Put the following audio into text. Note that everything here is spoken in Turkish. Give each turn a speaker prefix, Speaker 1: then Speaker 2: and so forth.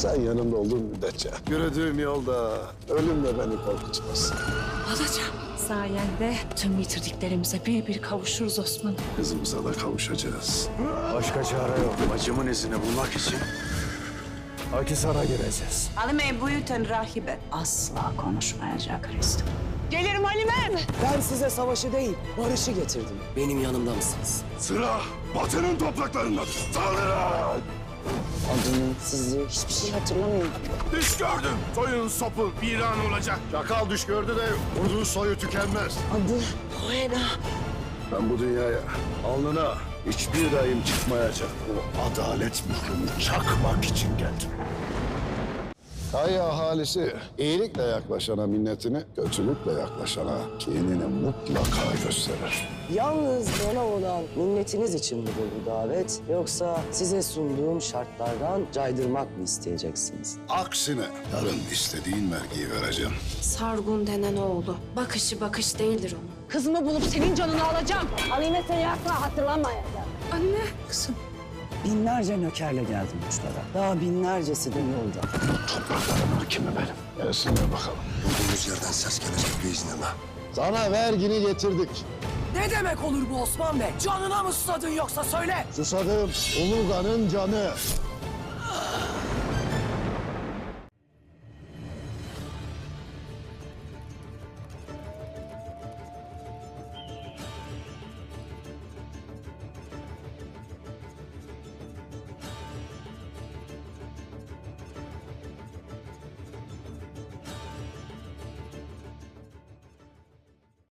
Speaker 1: Sen yanımda olduğun müddetçe yürüdüğüm yolda ölüm de beni korkutmaz.
Speaker 2: Alacağım. Sayende tüm yitirdiklerimize bir kavuşuruz Osman.
Speaker 1: Kızımıza da kavuşacağız.
Speaker 3: Başka çare yok. Bacımın izini bulmak için Akhisar'a gireceğiz.
Speaker 2: Halime bu yüten rahibe asla konuşmayacak Hristo. Gelirim Halimem.
Speaker 4: Ben size savaşı değil, barışı getirdim. Benim yanımda mısınız?
Speaker 1: Sıra Batı'nın topraklarındadır. Saldırın!
Speaker 4: Adını, sizi, hiçbir şey hatırlamıyorum.
Speaker 1: Düş gördüm. Soyun sopu viran olacak. Çakal düş gördü de vurduğu soyu tükenmez.
Speaker 4: Adı Hoena.
Speaker 1: Ben bu dünyaya alnına hiçbir dayım çıkmayacak. O adalet mührünü çakmak için geldim. Kaya ahalisi iyilikle yaklaşana minnetini, kötülükle yaklaşana kinini mutlaka gösterir.
Speaker 4: Yalnız bana olan minnetiniz için midir bu davet? Yoksa size sunduğum şartlardan caydırmak mı isteyeceksiniz?
Speaker 1: Aksine yarın istediğin vergiyi vereceğim.
Speaker 2: Sargun denen oğlu. Bakışı bakış değildir onun.
Speaker 5: Kızımı bulup senin canını alacağım.
Speaker 6: Halime seni asla hatırlamayacak.
Speaker 2: Anne. Kızım.
Speaker 4: Binlerce nökerle geldim uçlara. Daha binlercesi de yolda.
Speaker 1: Topraklarımın hakimi benim. Gelsinler bakalım.
Speaker 3: Bulduğumuz yerden ses gelecek biiznillah.
Speaker 1: Sana vergini getirdik.
Speaker 4: Ne demek olur bu Osman Bey? Canına mı susadın yoksa söyle.
Speaker 1: Susadım. Uluga'nın canı.